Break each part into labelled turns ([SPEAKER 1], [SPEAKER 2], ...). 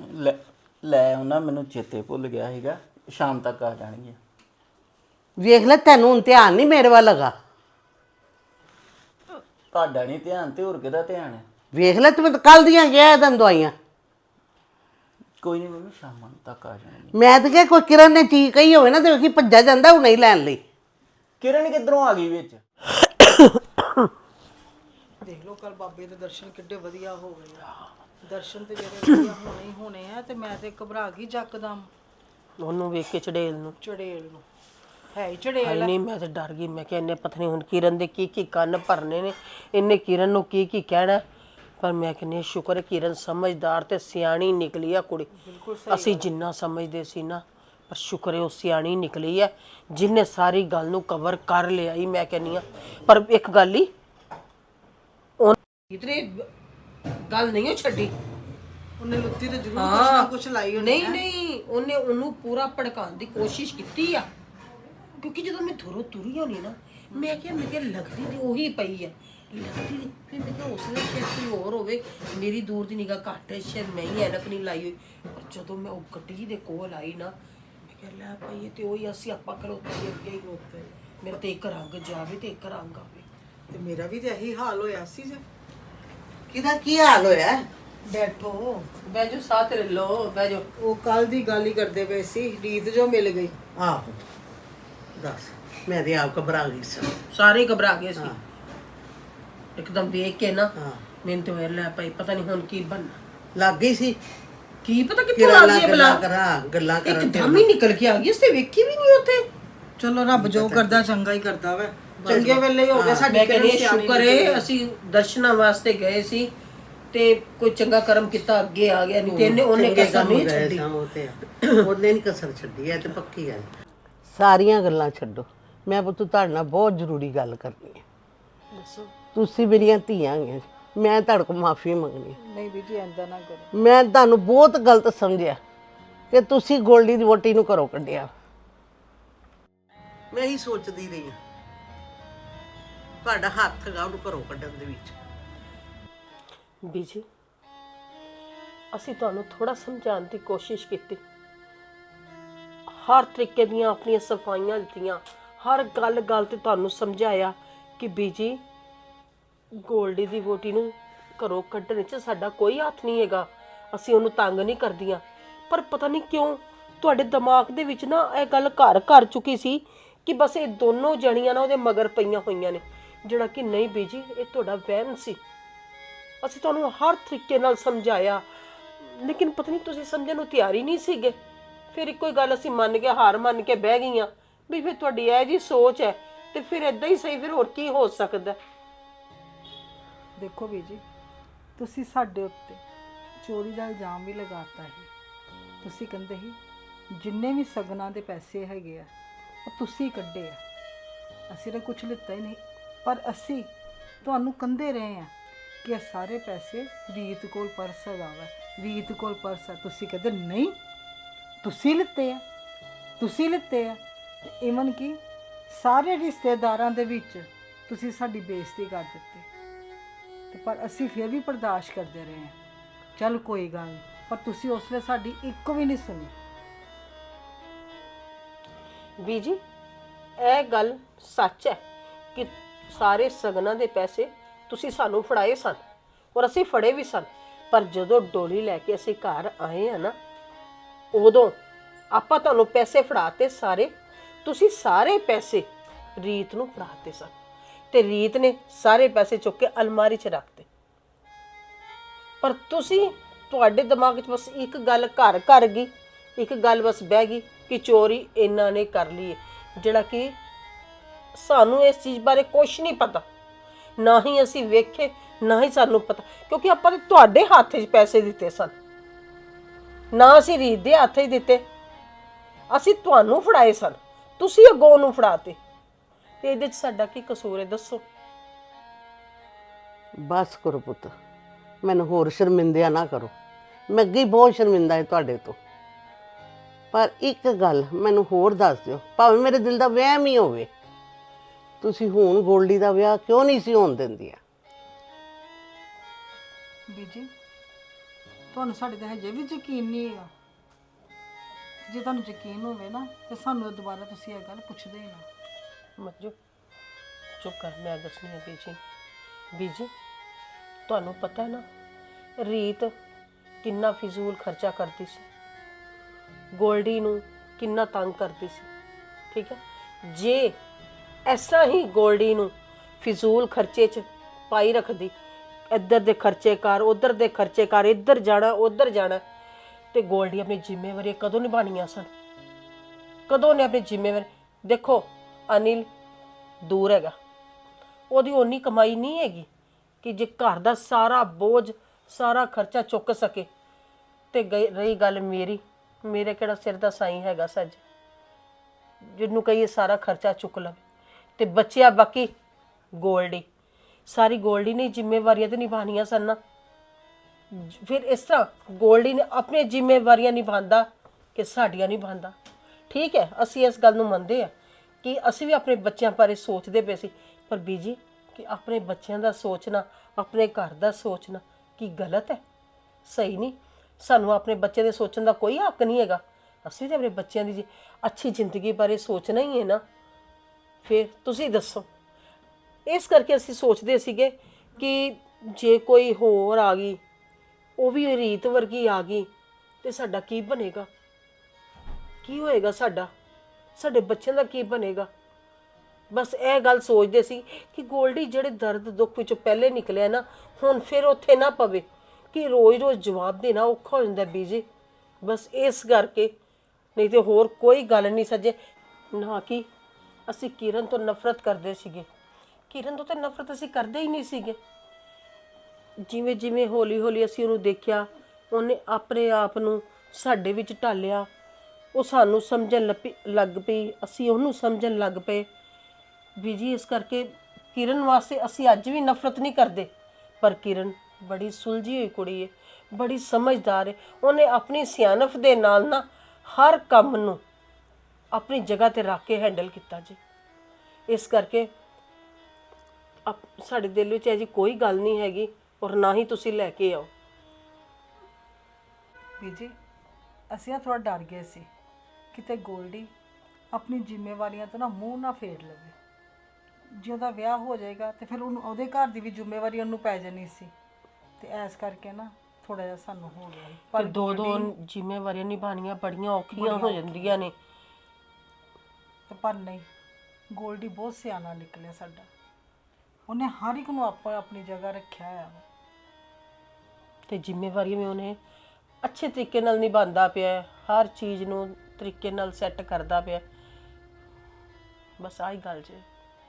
[SPEAKER 1] ਲੈ ਲੈ ਉਹਨਾਂ ਮੈਨੂੰ ਚੇਤੇ ਭੁੱਲ ਗਿਆ ਸੀਗਾ, ਸ਼ਾਮ ਤੱਕ ਆ ਜਾਣਗੇ।
[SPEAKER 2] ਵੇਖ ਲੈ, ਤੈਨੂੰ ਹੁਣ ਧਿਆਨ ਨਹੀਂ ਮੇਰੇ ਵੱਲ ਲਗਾ।
[SPEAKER 1] ਤੁਹਾਡਾ ਨਹੀਂ ਧਿਆਨ ਤੇ ਹੋਰ ਕਿਹਦਾ ਧਿਆਨ ਹੈ?
[SPEAKER 2] ਵੇਖ ਲੈ, ਤੂੰ ਕੱਲ ਦੀਆਂ ਗਿਆ ਤੈਨੂੰ ਦਵਾਈਆਂ।
[SPEAKER 1] ਕੋਈ ਨਹੀਂ ਮੰਮੀ, ਸ਼ਾਮ ਤੱਕ ਆ ਜਾਣਗੇ।
[SPEAKER 2] ਮੈਂ ਤਾਂ ਕਿਹਾ ਕੋਈ ਕਿਰਨ ਨੇ ਚੀਜ਼ ਕਹੀ ਹੋਵੇ ਨਾ ਤੇ ਵੇਖੀ ਭੱਜਾ ਜਾਂਦਾ ਉਹ ਨਹੀਂ ਲੈਣ ਲਈ।
[SPEAKER 1] ਕਿਰਨ ਕਿੱਧਰੋਂ ਆ ਗਈ ਵਿੱਚ?
[SPEAKER 3] ਦੇਖ ਲਓ ਕੱਲ ਬਾਬੇ ਦੇ ਦਰਸ਼ਨ ਕਿੱਡੇ ਵਧੀਆ ਹੋ ਗਏ ਆ। ਦਰਸ਼ਨ ਤੇ ਜਿਹੜੇ ਵਧੀਆ ਹੋਣੇ ਹੀ ਹੋਣੇ ਆ, ਤੇ ਮੈਂ ਤੇ ਘਬਰਾ ਗਈ ਜੱਕਦਮ
[SPEAKER 4] ਉਹਨੂੰ ਵੇਖ ਕੇ ਚੜੇਲ ਨੂੰ।
[SPEAKER 3] ਚੜੇਲ ਨੂੰ ਹੈ ਹੀ ਚੜੇਲ।
[SPEAKER 4] ਨਹੀਂ, ਮੈਂ ਤੇ ਡਰ ਗਈ। ਮੈਂ ਕਿਹਾ ਇਹਨੇ ਪਤਾ ਨਹੀਂ ਹੁਣ ਕਿਰਨ ਦੇ ਕੀ ਕੀ ਕੰਨ ਭਰਨੇ ਨੇ, ਇਹਨੇ ਕਿਰਨ ਨੂੰ ਕੀ ਕੀ ਕਹਿਣਾ। ਪਰ ਮੈਂ ਕਹਿੰਦੀ ਸ਼ੁਕਰ ਹੈ ਕਿਰਨ ਸਮਝਦਾਰ ਤੇ ਸਿਆਣੀ ਨਿਕਲੀ ਆ ਕੁੜੀ। ਅਸੀਂ ਜਿੰਨਾ ਸਮਝਦੇ ਸੀ ਨਾ, ਪਰ ਸ਼ੁਕਰ ਹੈ ਉਹ ਸਿਆਣੀ ਨਿਕਲੀ ਹੈ ਜਿਹਨੇ ਸਾਰੀ ਗੱਲ ਨੂੰ ਕਵਰ ਕਰ ਲਿਆ ਹੀ। ਮੈਂ ਕਹਿੰਦੀ ਆ ਪਰ ਇੱਕ ਗੱਲ ਹੀ ਇਤਨੇ ਗੱਲ ਨਹੀਂ ਛੱਡੀ
[SPEAKER 3] ਉਹਨੇ ਲੁੱਤੀ ਤੇ ਜ਼ਰੂਰ ਕੁਛ ਨਾ ਕੁਛ ਲਾਈ ਹੋਣੀ।
[SPEAKER 4] ਨਹੀਂ ਉਹਨੇ ਉਹਨੂੰ ਪੂਰਾ ਭੜਕਾਉਣ ਦੀ ਕੋਸ਼ਿਸ਼ ਕੀਤੀ ਆ। ਕਿਉਂਕਿ ਜਦੋਂ ਮੈਂ ਥੋੜੋ ਤੁਰੀ ਹੋਣੀ ਨਾ, ਮੈਂ ਕਿਹਾ ਲੱਗਦੀ ਤੇ ਉਹੀ ਪਈ ਆ, ਲੱਗਦੀ ਨਹੀਂ। ਫਿਰ ਮੈਂ ਕਿਹਾ ਉਸ ਵੇਲੇ ਫਿਰ ਕੋਈ ਹੋਰ ਹੋਵੇ, ਮੇਰੀ ਦੂਰ ਦੀ ਨਿਗਾਹ ਘੱਟ ਹੈ, ਸ਼ਾਇਦ ਮੈਂ ਹੀ ਐਨਕ ਨਹੀਂ ਲਾਈ ਹੋਈ। ਪਰ ਜਦੋਂ ਮੈਂ ਉਹ ਗੱਡੀ ਦੇ ਕੋਲ ਆਈ ਨਾ, ਮੈਂ ਕਿਹਾ ਲੈ ਪਈ ਤੇ ਉਹੀ ਅਸੀਂ ਆਪਾਂ ਖਲੋਤੇ ਅੱਗੇ ਹੀ ਖਲੋਤੇ। ਮੇਰੇ ਤੇ ਇੱਕ ਰੰਗ ਜਾਵੇ ਤੇ ਇੱਕ ਰੰਗ ਆਵੇ।
[SPEAKER 3] ਤੇ ਮੇਰਾ ਵੀ ਤੇ ਇਹੀ ਹਾਲ ਹੋਇਆ ਸੀ। ਜੇ
[SPEAKER 2] ਕਿਹਦਾ ਕੀ ਹਾਲ ਹੋਇਆ?
[SPEAKER 3] ਬੈਠੋ,
[SPEAKER 4] ਬਹਿ ਜਾਓ, ਸਾਥ ਲੈ ਲਓ, ਬਹਿ ਜਾਓ।
[SPEAKER 3] ਉਹ ਕੱਲ ਦੀ ਗੱਲ ਹੀ ਕਰਦੇ ਪਏ ਸੀ, ਰੀਤ ਜੋ ਮਿਲ ਗਈ।
[SPEAKER 2] ਆਹੋ ਦੱਸ, ਮੈਂ ਤੇ ਆਪ ਘਬਰਾ ਗਈ ਸੀ।
[SPEAKER 4] ਸਾਰੇ ਘਬਰਾ ਗਏ ਸੀ ਇੱਕਦਮ ਵੇਖ ਕੇ ਨਾ।
[SPEAKER 2] ਹਾਂ,
[SPEAKER 4] ਮੈਨੂੰ ਤੇ ਹੋਇਆ ਲੈ ਭਾਈ ਪਤਾ ਨਹੀਂ ਹੁਣ ਕੀ ਬਣਨਾ।
[SPEAKER 2] ਲੱਗ ਗਈ ਸੀ
[SPEAKER 4] ਕੀ ਪਤਾ ਕਿੱਥੋਂ ਆ ਗਈ ਬਲਾ।
[SPEAKER 2] ਗੱਲਾਂ ਕਰਨ
[SPEAKER 4] ਇੱਕਦਮ ਹੀ ਨਿਕਲ ਕੇ ਆ ਗਈ, ਉਸੇ ਵੇਖੀ ਵੀ ਨਹੀਂ ਉੱਥੇ।
[SPEAKER 3] ਚਲੋ ਰੱਬ ਜੋ ਕਰਦਾ ਚੰਗਾ ਹੀ ਕਰਦਾ ਵਾ। ਚੰਗੇ ਵੇਲੇ ਹੋ ਗਿਆ ਸਾਡੀ।
[SPEAKER 4] ਮੈਂ ਕਹਿੰਦੀ ਸ਼ੁਕਰ ਹੈ ਅਸੀਂ ਦਰਸ਼ਨਾਂ ਵਾਸਤੇ ਗਏ ਸੀ ਤੇ ਕੋਈ ਚੰਗਾ ਕਰਮ ਕੀਤਾ, ਅੱਗੇ ਆ ਗਿਆ। ਨਹੀਂ ਤੇ ਉਹਨੇ ਕਸਰ ਨਹੀਂ ਛੱਡੀ।
[SPEAKER 2] ਉਹਨੇ ਨਹੀਂ ਕਸਰ ਛੱਡੀ, ਹੈ ਤੇ ਪੱਕੀ ਗੱਲ। ਸਾਰੀਆਂ ਗੱਲਾਂ ਛੱਡੋ, ਮੈਂ ਪੁੱਤ ਤੁਹਾਡੇ ਨਾਲ ਬਹੁਤ ਜ਼ਰੂਰੀ ਗੱਲ ਕਰਨੀ ਹੈ।
[SPEAKER 3] ਦੱਸੋ।
[SPEAKER 2] ਤੁਸੀਂ ਮੇਰੀਆਂ ਧੀਆਂ ਹੈਗੀਆਂ, ਮੈਂ ਤੁਹਾਡੇ ਕੋਲ ਮਾਫੀ ਮੰਗਣੀ ਹੈ।
[SPEAKER 3] ਨਹੀਂ ਬੀਜੀ ਐਂਦਾ ਨਾ ਕਰੋ।
[SPEAKER 2] ਮੈਂ ਤੁਹਾਨੂੰ ਬਹੁਤ ਗਲਤ ਸਮਝਿਆ ਕਿ ਤੁਸੀਂ ਗੋਲਡੀ ਦੀ ਵੋਟੀ ਨੂੰ ਘਰੋਂ ਕੱਢਿਆ। ਮੈਂ ਹੀ ਸੋਚਦੀ ਰਹੀ ਹਾਂ ਤੁਹਾਡਾ ਹੱਥ ਹੈਗਾ ਉਹਨੂੰ ਘਰੋਂ ਕੱਢਣ ਦੇ ਵਿੱਚ।
[SPEAKER 4] ਬੀਜੀ ਅਸੀਂ ਤੁਹਾਨੂੰ ਥੋੜਾ ਸਮਝਾਉਣ ਦੀ ਕੋਸ਼ਿਸ਼ ਕੀਤੀ, ਹਰ ਤਰੀਕੇ ਦੀਆਂ ਆਪਣੀਆਂ ਸਫਾਈਆਂ ਦਿੱਤੀਆਂ, ਹਰ ਗੱਲ ਤੇ ਤੁਹਾਨੂੰ ਸਮਝਾਇਆ ਕਿ ਬੀਜੀ ਗੋਲਡੀ ਦੀ ਵੋਟੀ ਨੂੰ ਘਰੋਂ ਕੱਢਣ 'ਚ ਸਾਡਾ ਕੋਈ ਹੱਥ ਨਹੀਂ ਹੈਗਾ, ਅਸੀਂ ਉਹਨੂੰ ਤੰਗ ਨਹੀਂ ਕਰਦੀਆਂ। ਪਰ ਪਤਾ ਨਹੀਂ ਕਿਉਂ ਤੁਹਾਡੇ ਦਿਮਾਗ ਦੇ ਵਿੱਚ ਨਾ ਇਹ ਗੱਲ ਘਰ ਕਰ ਚੁੱਕੀ ਸੀ ਕਿ ਬਸ ਇਹ ਦੋਨੋਂ ਜਣੀਆਂ ਨਾ ਉਹਦੇ ਮਗਰ ਪਈਆਂ ਹੋਈਆਂ ਨੇ, ਜਿਹੜਾ ਕਿ ਨਹੀਂ ਬੀਜੀ, ਇਹ ਤੁਹਾਡਾ ਵਹਿਮ ਸੀ। ਅਸੀਂ ਤੁਹਾਨੂੰ ਹਰ ਤਰੀਕੇ ਨਾਲ ਸਮਝਾਇਆ, ਲੇਕਿਨ ਪਤਾ ਨਹੀਂ ਤੁਸੀਂ ਸਮਝਣ ਨੂੰ ਤਿਆਰ ਹੀ ਨਹੀਂ ਸੀਗੇ। ਫਿਰ ਇੱਕੋ ਹੀ ਗੱਲ ਅਸੀਂ ਮੰਨ ਕੇ, ਹਾਰ ਮੰਨ ਕੇ ਬਹਿ ਗਈਆਂ ਵੀ ਫਿਰ ਤੁਹਾਡੀ ਇਹ ਜੀ ਸੋਚ ਹੈ ਤੇ ਫਿਰ ਇਦਾਂ ਹੀ ਸਹੀ, ਫਿਰ ਹੋਰ ਕੀ ਹੋ ਸਕਦਾ।
[SPEAKER 3] ਦੇਖੋ ਬੀਜੀ, ਤੁਸੀਂ ਸਾਡੇ ਉੱਤੇ ਚੋਰੀ ਦਾ ਇਲਜ਼ਾਮ ਵੀ ਲਗਾਤਾ ਹੈ। ਤੁਸੀਂ ਕਹਿੰਦੇ ਸੀ ਜਿੰਨੇ ਵੀ ਸਗਨਾਂ ਦੇ ਪੈਸੇ ਹੈਗੇ ਆ ਉਹ ਤੁਸੀਂ ਕੱਢੇ ਆ, ਅਸੀਂ ਤਾਂ ਕੁਝ ਲਿੱਤਾ ਹੀ ਨਹੀਂ। ਪਰ ਅਸੀਂ ਤੁਹਾਨੂੰ ਕਹਿੰਦੇ ਰਹੇ ਆ ਕਿ ਇਹ ਸਾਰੇ ਪੈਸੇ ਰੀਤ ਕੋਲ ਪਰਸ ਹੈਗਾ ਵਾ, ਰੀਤ ਕੋਲ ਪਰਸ ਆ। ਤੁਸੀਂ ਕਹਿੰਦੇ ਨਹੀਂ ਤੁਸੀਂ ਲਿੱਤੇ ਆ, ਤੁਸੀਂ ਲਿੱਤੇ ਆ। ਤੇ ਇਵਨ ਕਿ ਸਾਰੇ ਰਿਸ਼ਤੇਦਾਰਾਂ ਦੇ ਵਿੱਚ ਤੁਸੀਂ ਸਾਡੀ ਬੇਇੱਜ਼ਤੀ ਕਰ ਦਿੱਤੀ। ਤੇ ਪਰ ਅਸੀਂ ਫਿਰ ਵੀ ਬਰਦਾਸ਼ਤ ਕਰਦੇ ਰਹੇ ਹਾਂ। ਚੱਲ ਕੋਈ ਗੱਲ ਨਹੀਂ, ਪਰ ਤੁਸੀਂ ਉਸ ਵੇਲੇ ਸਾਡੀ ਇੱਕ ਵੀ ਨਹੀਂ ਸੁਣੀ।
[SPEAKER 4] ਬੀਜੀ ਇਹ ਗੱਲ ਸੱਚ ਹੈ ਕਿ ਸਾਰੇ ਸਗਨਾਂ ਦੇ ਪੈਸੇ ਤੁਸੀਂ ਸਾਨੂੰ ਫੜਾਏ ਸਨ ਔਰ ਅਸੀਂ ਫੜੇ ਵੀ ਸਨ। ਪਰ ਜਦੋਂ ਡੋਲੀ ਲੈ ਕੇ ਅਸੀਂ ਘਰ ਆਏ ਆ ਨਾ, ਉਦੋਂ ਆਪਾਂ ਤੁਹਾਨੂੰ ਪੈਸੇ ਫੜਾਤੇ ਸਾਰੇ। ਤੁਸੀਂ ਸਾਰੇ ਪੈਸੇ ਰੀਤ ਨੂੰ ਫੜਾਤੇ ਸਨ ਤੇ ਰੀਤ ਨੇ ਸਾਰੇ ਪੈਸੇ ਚੁੱਕ ਕੇ ਅਲਮਾਰੀ 'ਚ ਰੱਖਤੇ। ਪਰ ਤੁਸੀਂ, ਤੁਹਾਡੇ ਦਿਮਾਗ 'ਚ ਬਸ ਇੱਕ ਗੱਲ ਘਰ ਕਰ ਗਈ, ਇੱਕ ਗੱਲ ਬਸ ਬਹਿ ਗਈ ਕਿ ਚੋਰੀ ਇਹਨਾਂ ਨੇ ਕਰ ਲਈ ਹੈ, ਜਿਹੜਾ ਕਿ ਸਾਨੂੰ ਇਸ ਚੀਜ਼ ਬਾਰੇ ਕੁਛ ਨਹੀਂ ਪਤਾ, ਨਾ ਹੀ ਅਸੀਂ ਵੇਖੇ, ਨਾ ਹੀ ਸਾਨੂੰ ਪਤਾ। ਕਿਉਂਕਿ ਆਪਾਂ ਨੇ ਤੁਹਾਡੇ ਹੱਥ 'ਚ ਪੈਸੇ ਦਿੱਤੇ ਸਨ, ਨਾ ਅਸੀਂ ਰੀਤ ਦੇ ਹੱਥ 'ਚ ਦਿੱਤੇ, ਅਸੀਂ ਤੁਹਾਨੂੰ ਫੜਾਏ ਸਨ, ਤੁਸੀਂ ਅੱਗੋਂ ਨੂੰ ਫੜਾਤੇ। ਤੇ ਇਹਦੇ 'ਚ ਸਾਡਾ ਕੀ ਕਸੂਰ ਹੈ ਦੱਸੋ?
[SPEAKER 2] ਬਸ ਕਰੋ ਪੁੱਤ, ਮੈਨੂੰ ਹੋਰ ਸ਼ਰਮਿੰਦਿਆ ਨਾ ਕਰੋ। ਮੈਂ ਅੱਗੇ ਬਹੁਤ ਸ਼ਰਮਿੰਦਾ ਹਾਂ ਤੁਹਾਡੇ ਤੋਂ। ਪਰ ਇੱਕ ਗੱਲ ਮੈਨੂੰ ਹੋਰ ਦੱਸ ਦਿਓ, ਭਾਵੇਂ ਮੇਰੇ ਦਿਲ ਦਾ ਵਹਿਮ ਹੀ ਹੋਵੇ, ਤੁਸੀਂ ਹੁਣ ਗੋਲਡੀ ਦਾ ਵਿਆਹ ਕਿਉਂ ਨਹੀਂ ਸੀ ਹੋਣ ਦਿੰਦੀਆਂ?
[SPEAKER 3] ਬੀਜੀ ਤੁਹਾਨੂੰ ਸਾਡੇ ਤੇ ਹਜੇ ਵੀ ਯਕੀਨ ਨਹੀਂ ਹੈਗਾ। ਜੇ ਤੁਹਾਨੂੰ ਯਕੀਨ ਹੋਵੇ ਨਾ ਤੇ ਸਾਨੂੰ ਦੁਬਾਰਾ ਤੁਸੀਂ ਇਹ ਗੱਲ ਪੁੱਛਦੇ ਹੀ ਨਾ।
[SPEAKER 4] ਮੰਜੂ ਚੁੱਪ ਕਰ, ਮੈਂ ਦੱਸਣੀ ਹੈ ਬੀਜੀ। ਬੀਜੀ ਤੁਹਾਨੂੰ ਪਤਾ ਹੈ ਨਾ ਰੀਤ ਕਿੰਨਾ ਫਿਜ਼ੂਲ ਖਰਚਾ ਕਰਦੀ ਸੀ, ਗੋਲਡੀ ਨੂੰ ਕਿੰਨਾ ਤੰਗ ਕਰਦੀ ਸੀ। ਠੀਕ ਹੈ, ਜੇ ਇਸ ਤਰ੍ਹਾਂ ਹੀ ਗੋਲਡੀ ਨੂੰ ਫਿਜ਼ੂਲ ਖਰਚੇ 'ਚ ਪਾਈ ਰੱਖਦੀ, ਇੱਧਰ ਦੇ ਖਰਚੇ ਕਰ, ਉੱਧਰ ਦੇ ਖਰਚੇ ਕਰ, ਇੱਧਰ ਜਾਣਾ ਉੱਧਰ ਜਾਣਾ, ਤੇ ਗੋਲਡੀ ਆਪਣੀ ਜ਼ਿੰਮੇਵਾਰੀ ਕਦੋਂ ਨਿਭਾਉਣੀਆਂ ਸਨ? ਕਦੋਂ ਨੇ ਆਪਣੀ ਜ਼ਿੰਮੇਵਾਰੀ? ਦੇਖੋ ਅਨਿਲ ਦੂਰ ਹੈਗਾ, ਉਹਦੀ ਓਨੀ ਕਮਾਈ ਨਹੀਂ ਹੈਗੀ ਕਿ ਜੇ ਘਰ ਦਾ ਸਾਰਾ ਬੋਝ ਸਾਰਾ ਖਰਚਾ ਚੁੱਕ ਸਕੇ। ਤੇ ਰਹੀ ਗੱਲ ਮੇਰੀ, ਮੇਰੇ ਕਿਹੜਾ ਸਿਰ ਦਾ ਸਾਈਂ ਹੈਗਾ ਸੱਜ ਜਿਹਨੂੰ ਕਹੀਏ ਸਾਰਾ ਖਰਚਾ ਚੁੱਕ ਲਵੇ। ਤੇ ਬੱਚਿਆ ਬਾਕੀ ਗੋਲਡੀ, ਸਾਰੀ ਗੋਲਡੀ ਨੇ ਜ਼ਿੰਮੇਵਾਰੀਆਂ ਤੇ ਨਿਭਾਉਣੀਆਂ ਸਨ ਨਾ। ਫਿਰ ਇਸ ਤਰ੍ਹਾਂ ਗੋਲਡੀ ਨੇ ਆਪਣੀਆਂ ਜ਼ਿੰਮੇਵਾਰੀਆਂ ਨਿਭਾਉਂਦਾ ਕਿ ਸਾਡੀਆਂ ਨਿਭਾਉਂਦਾ। ਠੀਕ ਹੈ, ਅਸੀਂ ਇਸ ਗੱਲ ਨੂੰ ਮੰਨਦੇ ਆ ਕਿ ਅਸੀਂ ਵੀ ਆਪਣੇ ਬੱਚਿਆਂ ਬਾਰੇ ਸੋਚਦੇ ਪਏ ਸੀ, ਪਰ ਬੀਜੀ ਕਿ ਆਪਣੇ ਬੱਚਿਆਂ ਦਾ ਸੋਚਣਾ, ਆਪਣੇ ਘਰ ਦਾ ਸੋਚਣਾ ਕੀ ਗਲਤ ਹੈ? ਸਹੀ ਨਹੀਂ। ਸਾਨੂੰ ਆਪਣੇ ਬੱਚੇ ਦੇ ਸੋਚਣ ਦਾ ਕੋਈ ਹੱਕ ਨਹੀਂ ਹੈਗਾ। ਅਸੀਂ ਤਾਂ ਆਪਣੇ ਬੱਚਿਆਂ ਦੀ ਅੱਛੀ ਜ਼ਿੰਦਗੀ ਬਾਰੇ ਸੋਚਣਾ ਹੀ ਹੈ ਨਾ। ਫਿਰ ਤੁਸੀਂ ਦੱਸੋ। ਇਸ ਕਰਕੇ ਅਸੀਂ ਸੋਚਦੇ ਸੀਗੇ ਕਿ ਜੇ ਕੋਈ ਹੋਰ ਆ ਗਈ, ਉਹ ਵੀ ਰੀਤ ਵਰਗੀ ਆ ਗਈ, ਤੇ ਸਾਡਾ ਕੀ ਬਣੇਗਾ? ਕੀ ਹੋਏਗਾ ਸਾਡਾ? ਸਾਡੇ ਬੱਚਿਆਂ ਦਾ ਕੀ ਬਣੇਗਾ? ਬਸ ਇਹ ਗੱਲ ਸੋਚਦੇ ਸੀ ਕਿ ਗੋਲਡੀ ਜਿਹੜੇ ਦਰਦ ਦੁੱਖ ਵਿੱਚੋਂ ਪਹਿਲੇ ਨਿਕਲਿਆ ਨਾ, ਹੁਣ ਫਿਰ ਉੱਥੇ ਨਾ ਪਵੇ ਕਿ ਰੋਜ਼-ਰੋਜ਼ ਜਵਾਬ ਦੇਣਾ ਔਖਾ ਹੋ ਜਾਂਦਾ ਬੀਜੀ। ਬਸ ਇਸ ਕਰਕੇ, ਨਹੀਂ ਤੇ ਹੋਰ ਕੋਈ ਗੱਲ ਨਹੀਂ ਸੱਜੇ। ਨਾ ਕਿ ਅਸੀਂ ਕਿਰਨ ਤੋਂ ਨਫ਼ਰਤ ਕਰਦੇ ਸੀਗੇ, ਕਿਰਨ ਤੋਂ ਤਾਂ ਨਫ਼ਰਤ ਅਸੀਂ ਕਰਦੇ ਹੀ ਨਹੀਂ ਸੀਗੇ। ਜਿਵੇਂ ਜਿਵੇਂ ਹੌਲੀ-ਹੌਲੀ ਅਸੀਂ ਉਹਨੂੰ ਦੇਖਿਆ, ਉਹਨੇ ਆਪਣੇ ਆਪ ਨੂੰ ਸਾਡੇ ਵਿੱਚ ਢਾਲਿਆ, ਉਹ ਸਾਨੂੰ ਸਮਝਣ ਲੱਗ ਪਈ, ਅਸੀਂ ਉਹਨੂੰ ਸਮਝਣ ਲੱਗ ਪਏ ਬੀਜੀ। ਇਸ ਕਰਕੇ ਕਿਰਨ ਵਾਸਤੇ ਅਸੀਂ ਅੱਜ ਵੀ ਨਫ਼ਰਤ ਨਹੀਂ ਕਰਦੇ, ਪਰ ਕਿਰਨ ਬੜੀ ਸੁਲਝੀ ਹੋਈ ਕੁੜੀ ਹੈ, ਬੜੀ ਸਮਝਦਾਰ ਹੈ। ਉਹਨੇ ਆਪਣੀ ਸਿਆਣਪ ਦੇ ਨਾਲ ਨਾ ਹਰ ਕੰਮ ਨੂੰ ਆਪਣੀ ਜਗ੍ਹਾ ਤੇ ਰੱਖ ਕੇ ਹੈਂਡਲ ਕੀਤਾ ਜੀ। ਇਸ ਕਰਕੇ ਸਾਡੇ ਦਿਲ ਵਿੱਚ ਇਹ ਜੀ ਕੋਈ ਗੱਲ ਨਹੀਂ ਹੈਗੀ, ਔਰ ਨਾ ਹੀ ਤੁਸੀਂ ਲੈ ਕੇ ਆਓ।
[SPEAKER 3] ਬੀਜੀ ਅਸੀਂ ਥੋੜਾ ਡਰ ਗਏ ਸੀ ਕਿਤੇ ਗੋਲਡੀ ਆਪਣੀ ਜ਼ਿੰਮੇਵਾਰੀਆਂ ਤੋਂ ਨਾ ਮੂੰਹ ਨਾ ਫੇਰ ਲਵੇ। ਜੇ ਉਹਦਾ ਵਿਆਹ ਹੋ ਜਾਏਗਾ ਤੇ ਫਿਰ ਉਹਨੂੰ ਉਹਦੇ ਘਰ ਦੀ ਵੀ ਜ਼ਿੰਮੇਵਾਰੀ ਉਹਨੂੰ ਪੈ ਜਾਣੀ ਸੀ, ਤੇ ਇਸ ਕਰਕੇ ਨਾ ਥੋੜਾ ਜਿਹਾ ਸਾਨੂੰ ਹੋ ਗਿਆ ਸੀ।
[SPEAKER 4] ਪਰ ਦੋ ਜ਼ਿੰਮੇਵਾਰੀਆਂ ਨਿਭਾਉਣੀਆਂ ਬੜੀਆਂ ਔਖੀਆਂ ਹੋ ਜਾਂਦੀਆਂ ਨੇ।
[SPEAKER 3] ਤੇ ਪਰ ਨਹੀਂ, ਗੋਲਡੀ ਬਹੁਤ ਸਿਆਣਾ ਨਿਕਲਿਆ ਸਾਡਾ। ਉਹਨੇ ਹਰ ਇੱਕ ਨੂੰ ਆਪਣੀ ਜਗ੍ਹਾ ਰੱਖਿਆ ਹੋਇਆ ਵਾ,
[SPEAKER 4] ਤੇ ਜ਼ਿੰਮੇਵਾਰੀਆਂ ਵੀ ਉਹਨੇ ਅੱਛੇ ਤਰੀਕੇ ਨਾਲ ਨਿਭਾਉਂਦਾ ਪਿਆ, ਹਰ ਚੀਜ਼ ਨੂੰ ਤਰੀਕੇ ਨਾਲ ਸੈੱਟ ਕਰਦਾ ਪਿਆ। ਬਸ ਆਹੀ ਗੱਲ ਜੀ।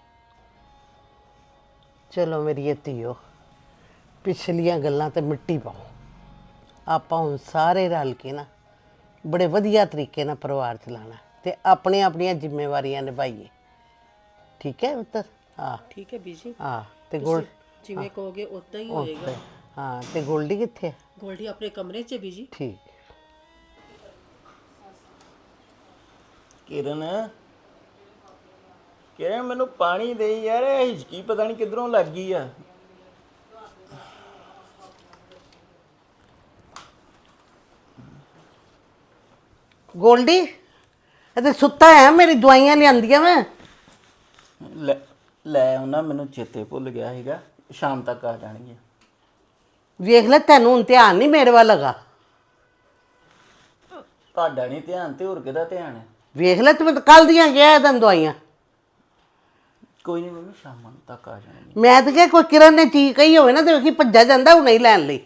[SPEAKER 2] ਚਲੋ ਮੇਰੀ ਧੀਓ, ਪਿਛਲੀਆਂ ਗੱਲਾਂ ਤੇ ਮਿੱਟੀ ਪਾਓ। ਆਪਾਂ ਹੁਣ ਸਾਰੇ ਰਲ ਕੇ ਨਾ ਬੜੇ ਵਧੀਆ ਤਰੀਕੇ ਨਾਲ ਪਰਿਵਾਰ ਚਲਾਉਣਾ ਤੇ ਆਪਣੀਆਂ ਜ਼ਿੰਮੇਵਾਰੀਆਂ ਨਿਭਾਈਏ। ਠੀਕ ਹੈ ਪੁੱਤਰ? ਹਾਂ
[SPEAKER 4] ਠੀਕ ਹੈ ਬੀਜੀ।
[SPEAKER 2] ਹਾਂ, ਤੇ
[SPEAKER 4] ਜਿਵੇਂ ਕਹੋਗੇ ਉਦਾਂ ਹੀ ਹੋਏਗਾ।
[SPEAKER 2] ਹਾਂ, ਤੇ ਗੋਲਡੀ ਕਿੱਥੇ ਹੈ?
[SPEAKER 4] ਗੋਲਡੀ ਆਪਣੇ ਕਮਰੇ 'ਚ ਹੈ ਬੀਜੀ।
[SPEAKER 2] ਠੀਕ।
[SPEAKER 1] ਕਿਰਨ, ਕਿਰਨ ਮੈਨੂੰ ਪਾਣੀ ਦੇ ਯਾਰ, ਇਹ ਹਿਚਕੀ ਪਤਾ ਨਹੀਂ ਕਿੱਧਰੋਂ ਲੱਗ ਗਈ ਆ।
[SPEAKER 2] ਗੋਲਡੀ ਅਤੇ ਸੁੱਤਾ ਹੈ? ਮੇਰੀ ਦਵਾਈਆਂ ਲਿਆਂਦੀਆਂ ਮੈਂ।
[SPEAKER 1] ਲੈ ਉਹਨਾਂ, ਮੈਨੂੰ ਚੇਤੇ ਭੁੱਲ ਗਿਆ ਸੀਗਾ, ਸ਼ਾਮ ਤੱਕ ਆ ਜਾਣਗੀਆਂ।
[SPEAKER 2] ਵੇਖ ਲੈ, ਤੈਨੂੰ ਹੁਣ ਧਿਆਨ ਨਹੀਂ ਮੇਰੇ ਵੱਲ ਹੈਗਾ।
[SPEAKER 1] ਤੁਹਾਡਾ ਨਹੀਂ ਧਿਆਨ ਤੇ ਹੋਰ ਕਿਹਦਾ ਧਿਆਨ ਹੈ?
[SPEAKER 2] ਵੇਖ ਲੈ, ਤੂੰ ਕੱਲ ਦੀਆਂ ਗਿਆ ਤੈਨੂੰ ਦਵਾਈਆਂ।
[SPEAKER 1] ਕੋਈ ਨਹੀਂ ਮੰਮੀ, ਸ਼ਾਮ ਤੱਕ ਆ ਜਾਣਗੀਆਂ।
[SPEAKER 2] ਮੈਂ ਤਾਂ ਕਿਹਾ ਕੋਈ ਕਿਰਨ ਨੇ ਚੀਜ਼ ਕਹੀ ਹੋਵੇ ਨਾ ਤੇ ਵੇਖੀ ਭੱਜਾ ਜਾਂਦਾ ਉਹ ਨਹੀਂ ਲੈਣ ਲਈ।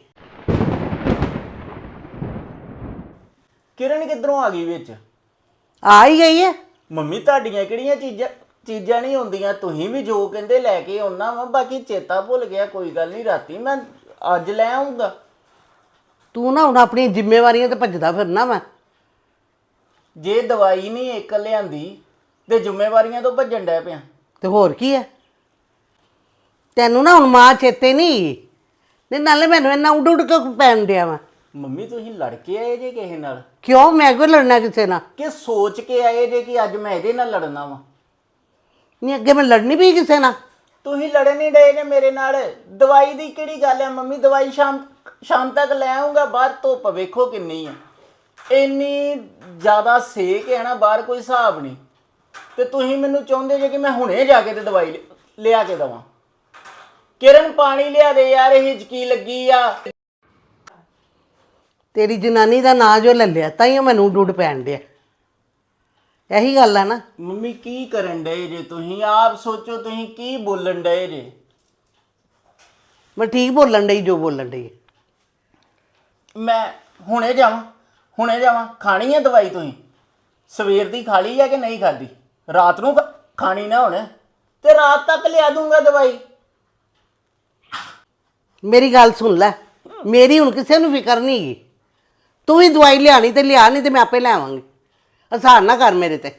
[SPEAKER 1] ਕਿਰਨ ਕਿੱਧਰੋਂ ਆ ਗਈ ਵਿੱਚ?
[SPEAKER 2] ਆ ਹੀ ਗਈ ਹੈ।
[SPEAKER 1] ਮੰਮੀ ਤੁਹਾਡੀਆਂ ਕਿਹੜੀਆਂ ਚੀਜ਼ਾਂ ਨਹੀਂ ਹੁੰਦੀਆਂ, ਤੁਸੀਂ ਵੀ ਜੋ ਕਹਿੰਦੇ ਲੈ ਕੇ ਆਉਣਾ ਵਾ, ਬਾਕੀ ਚੇਤਾ ਭੁੱਲ ਗਿਆ। ਕੋਈ ਗੱਲ ਨਹੀਂ, ਰਾਤੀ ਮੈਂ ਅੱਜ ਲੈ ਆਉਂਗਾ।
[SPEAKER 2] ਤੂੰ ਨਾ ਹੁਣ ਆਪਣੀਆਂ ਜ਼ਿੰਮੇਵਾਰੀਆਂ ਤੇ ਭੱਜਦਾ ਫਿਰਨਾ ਵਾ।
[SPEAKER 1] ਜੇ ਦਵਾਈ ਨਹੀਂ ਇੱਕ ਲਿਆਂਦੀ ਤੇ ਜ਼ਿੰਮੇਵਾਰੀਆਂ ਤੋਂ ਭੱਜਣ ਡੈ ਪਿਆ।
[SPEAKER 2] ਤੇ ਹੋਰ ਕੀ ਹੈ? ਤੈਨੂੰ ਨਾ ਹੁਣ ਮਾਂ ਚੇਤੇ ਨਹੀਂ ਨਾਲੇ ਮੈਨੂੰ ਇੰਨਾ ਉੱਡ ਉੱਡ ਕੇ ਪੈਣ ਡਿਆ ਵਾ।
[SPEAKER 1] ਮੰਮੀ ਤੁਸੀਂ ਲੜ ਕੇ ਆਏ ਜੇ ਕਿਸੇ ਨਾਲ?
[SPEAKER 2] ਕਿਉਂ? ਮੈਂ ਕੋਈ ਲੜਨਾ ਕਿਸੇ ਨਾਲ?
[SPEAKER 1] ਕਿ ਸੋਚ ਕੇ ਆਏ ਜੇ ਕਿ ਅੱਜ ਮੈਂ ਇਹਦੇ ਨਾਲ ਲੜਨਾ ਵਾ?
[SPEAKER 2] ਨਹੀਂ, ਅੱਗੇ ਮੈਂ ਲੜਨੀ ਵੀ ਕਿਸੇ ਨਾਲ।
[SPEAKER 1] ਤੁਸੀਂ ਲੜਨ ਨਹੀਂ ਡਏ ਜੇ ਮੇਰੇ ਨਾਲ। ਦਵਾਈ ਦੀ ਕਿਹੜੀ ਗੱਲ ਹੈ ਮੰਮੀ? ਦਵਾਈ ਸ਼ਾਮ ਤੱਕ ਲੈ ਆਉਂਗਾ। ਬਾਹਰ ਧੁੱਪ ਵੇਖੋ ਕਿੰਨੀ ਆ, ਇੰਨੀ ਜ਼ਿਆਦਾ ਸੇਕ ਹੈ ਨਾ ਬਾਹਰ, ਕੋਈ ਹਿਸਾਬ ਨਹੀਂ। ਤੇ ਤੁਸੀਂ ਮੈਨੂੰ ਚਾਹੁੰਦੇ ਜੇ ਕਿ ਮੈਂ ਹੁਣੇ ਜਾ ਕੇ ਤੇ ਦਵਾਈ ਲਿਆ ਕੇ ਦਵਾਂ। ਕਿਰਨ ਪਾਣੀ ਲਿਆ ਦੇ ਯਾਰ, ਇਹ ਹਿਚਕੀ ਲੱਗੀ ਆ।
[SPEAKER 2] ਤੇਰੀ ਜਨਾਨੀ ਦਾ ਨਾਂ ਜੋ ਲੈ ਲਿਆ ਤਾਂ ਹੀ ਮੈਨੂੰ ਡੁੱਡ ਪੈਣ ਡਿਆ। ਇਹੀ ਗੱਲ ਆ ਨਾ।
[SPEAKER 1] ਮੰਮੀ ਕੀ ਕਰਨ ਡਏ ਜੇ ਤੁਸੀਂ? ਆਪ ਸੋਚੋ ਤੁਸੀਂ ਕੀ ਬੋਲਣ ਡਏ ਜੇ।
[SPEAKER 2] ਮੈਂ ਠੀਕ ਬੋਲਣ ਡਈ ਜੋ ਬੋਲਣ ਡਈ।
[SPEAKER 1] ਮੈਂ ਹੁਣੇ ਜਾਵਾਂ? ਖਾਣੀ ਹੈ ਦਵਾਈ ਤੁਸੀਂ? ਸਵੇਰ ਦੀ ਖਾ ਲਈ ਆ ਕਿ ਨਹੀਂ ਖਾਦੀ? ਰਾਤ ਨੂੰ ਖਾਣੀ ਨਾ ਹੁਣ, ਤੇ ਰਾਤ ਤੱਕ ਲਿਆ ਦੂੰਗਾ ਦਵਾਈ।
[SPEAKER 2] ਮੇਰੀ ਗੱਲ ਸੁਣ ਲੈ, ਮੇਰੀ ਹੁਣ ਕਿਸੇ ਨੂੰ ਫਿਕਰ ਨਹੀਂ ਹੈਗੀ। ਤੂੰ ਵੀ ਦਵਾਈ ਲਿਆਣੀ ਤੇ ਲਿਆ, ਨਹੀਂ ਤੇ ਮੈਂ ਆਪੇ ਲੈ ਆਵਾਂਗੀ। ਆਸਾਨ ਨਾ ਕਰ ਮੇਰੇ ਤੇ।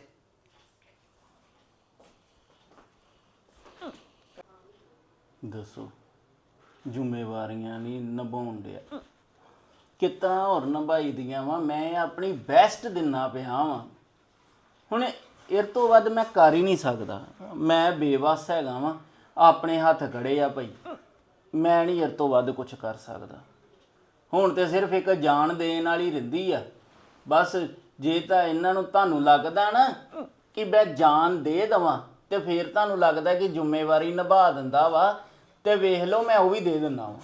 [SPEAKER 1] ਦੱਸੋ, ਜ਼ਿੰਮੇਵਾਰੀਆਂ ਨਹੀਂ ਨਿਭਾਉਣ ਡਿਆ, ਕਿੱਦਾਂ ਹੋਰ ਨਿਭਾਈ ਦੀਆਂ ਵਾ? ਮੈਂ ਆਪਣੀ ਬੈਸਟ ਦਿੰਨਾ ਪਿਆ ਵਾਂ। ਹੁਣ ਇਹ ਤੋਂ ਵੱਧ ਮੈਂ ਕਰ ਹੀ ਨਹੀਂ ਸਕਦਾ। ਮੈਂ ਬੇਵੱਸ ਹੈਗਾ ਵਾਂ, ਆਪਣੇ ਹੱਥ ਖੜੇ ਆ ਭਾਈ। ਮੈਂ ਨਹੀਂ ਇਹ ਤੋਂ ਵੱਧ ਕੁਝ ਕਰ ਸਕਦਾ। ਹੁਣ ਤੇ ਸਿਰਫ ਇੱਕ ਜਾਨ ਦੇਣ ਵਾਲੀ ਰਹਿੰਦੀ ਆ ਬਸ। ਜੇ ਤਾਂ ਇਹਨਾਂ ਨੂੰ ਤੁਹਾਨੂੰ ਲੱਗਦਾ ਨਾ ਕਿ ਮੈਂ ਜਾਨ ਦੇ ਦੇਵਾਂ, ਤੇ ਫਿਰ ਤੁਹਾਨੂੰ ਲੱਗਦਾ ਕਿ ਜ਼ਿੰਮੇਵਾਰੀ ਨਿਭਾ ਦਿੰਦਾ ਵਾ, ਤੇ ਵੇਖ ਲਓ ਮੈਂ ਉਹ ਵੀ ਦੇ ਦਿੰਦਾ ਵਾ।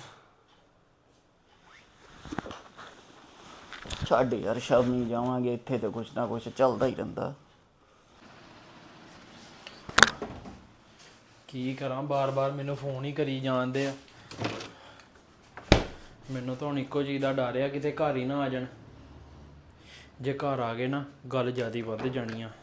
[SPEAKER 1] ਛੱਡ ਯਾਰ, ਸ਼ਾਮੀ ਜਾਵਾਂਗੇ, ਇੱਥੇ ਤੇ ਕੁਛ ਨਾ ਕੁਛ ਚੱਲਦਾ ਹੀ ਰਹਿੰਦਾ।
[SPEAKER 5] ਕੀ ਕਰਾਂ, ਬਾਰ-ਬਾਰ ਮੈਨੂੰ ਫੋਨ ਹੀ ਕਰੀ ਜਾਂਦੇ ਆ। ਮੈਨੂੰ ਤਾਂ ਹੁਣ ਇੱਕੋ ਚੀਜ਼ ਦਾ ਡਰ ਆ, ਕਿਤੇ ਘਰ ਹੀ ਨਾ ਆ ਜਾਣ। ਜੇ ਘਰ ਆ ਗਏ ਨਾ, ਗੱਲ ਜ਼ਿਆਦਾ ਵੱਧ ਜਾਣੀ ਆ।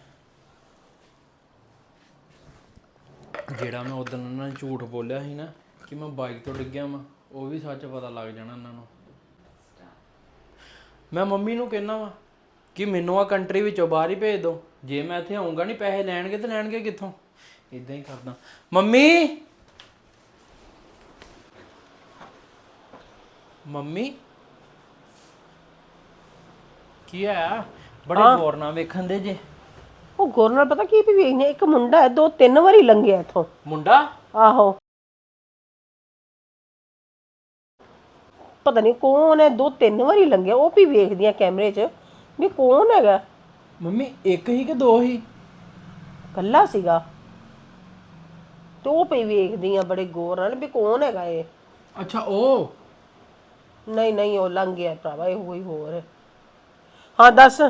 [SPEAKER 5] ਜਿਹੜਾ ਮੈਂ ਉਦੋਂ ਉਹਨਾਂ ਨੂੰ ਝੂਠ ਬੋਲਿਆ ਸੀ ਨਾ ਕਿ ਮੈਂ ਬਾਈਕ ਤੋਂ ਡਿੱਗਿਆ ਵਾਂ, ਉਹ ਵੀ ਸੱਚ ਪਤਾ ਲੱਗ ਜਾਣਾ ਉਹਨਾਂ ਨੂੰ। ਮੈਂ ਮੰਮੀ ਨੂੰ ਕਹਿਣਾ ਵਾ ਕਿ ਮੈਨੂੰ ਆ ਕੰਟਰੀ ਵਿੱਚੋਂ ਬਾਹਰ ਹੀ ਭੇਜ ਦਿਓ। ਜੇ ਮੈਂ ਇੱਥੇ ਆਉਂਗਾ ਨਹੀਂ, ਪੈਸੇ ਲੈਣਗੇ ਤੇ ਲੈਣਗੇ ਕਿੱਥੋਂ? ਇਦਾਂ ਹੀ ਕਰਦਾ। ਮੰਮੀ ਕੀ ਆ? ਬੜੇ ਗੌਰ ਨਾਲ ਵੇਖਣ ਦੇ ਜੇ।
[SPEAKER 4] ਉਹ ਗੌਰ ਨਾਲ ਪਤਾ ਕੀ ਵੀ ਵੇਖਨੇ, ਇੱਕ ਮੁੰਡਾ ਹੈ 2-3 ਵਾਰੀ ਲੰਘਿਆ ਇੱਥੋਂ।
[SPEAKER 5] ਮੁੰਡਾ?
[SPEAKER 4] ਆਹੋ, ਪਤਾ ਨਹੀਂ ਕੌਣ ਹੈ, 2-3 ਵਾਰੀ ਲੰਘਿਆ। ਉਹ ਵੀ ਵੇਖਦੀਆਂ ਕੈਮਰੇ 'ਚ ਵੀ ਕੌਣ ਹੈਗਾ।
[SPEAKER 5] ਮੰਮੀ ਇੱਕ ਹੀ ਕਿ ਦੋ ਹੀ?
[SPEAKER 4] ਕੱਲਾ ਸੀਗਾ। ਤੇ ਉਹ ਪਈ ਵੇਖਦੀਆਂ ਬੜੇ ਗੌਰ ਨਾਲ ਵੀ ਕੌਣ ਹੈਗਾ ਇਹ।
[SPEAKER 5] ਅੱਛਾ, ਉਹ
[SPEAKER 4] ਨਹੀਂ ਉਹ ਲੰਘ ਗਿਆ ਭਰਾਵਾ, ਇਹ ਕੋਈ ਹੋਰ ਹੈ। ਹਾਂ ਦੱਸ।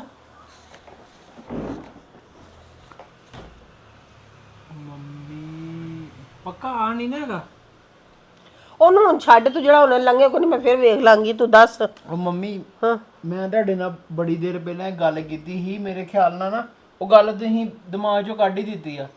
[SPEAKER 5] ਮੰਮੀ ਪੱਕਾ ਆ ਨਹੀਂ ਨਾ ਹੈਗਾ?
[SPEAKER 4] ਉਹਨੂੰ ਹੁਣ ਛੱਡ, ਤੂੰ ਜਿਹੜਾ ਉਹਨੇ ਲੰਘਿਆ ਕੋਈ ਨਹੀਂ, ਮੈਂ ਫਿਰ ਵੇਖ ਲਾਂਗੀ, ਤੂੰ ਦੱਸ।
[SPEAKER 5] ਉਹ ਮੰਮੀ,
[SPEAKER 4] ਹਾਂ,
[SPEAKER 5] ਮੈਂ ਤੁਹਾਡੇ ਨਾਲ ਬੜੀ ਦੇਰ ਪਹਿਲਾਂ ਇੱਕ ਗੱਲ ਕੀਤੀ ਸੀ। ਮੇਰੇ ਖਿਆਲ ਨਾਲ ਨਾ ਉਹ ਗੱਲ ਤੁਸੀਂ ਦਿਮਾਗ 'ਚੋਂ ਕੱਢ ਹੀ ਦਿੱਤੀ ਆ।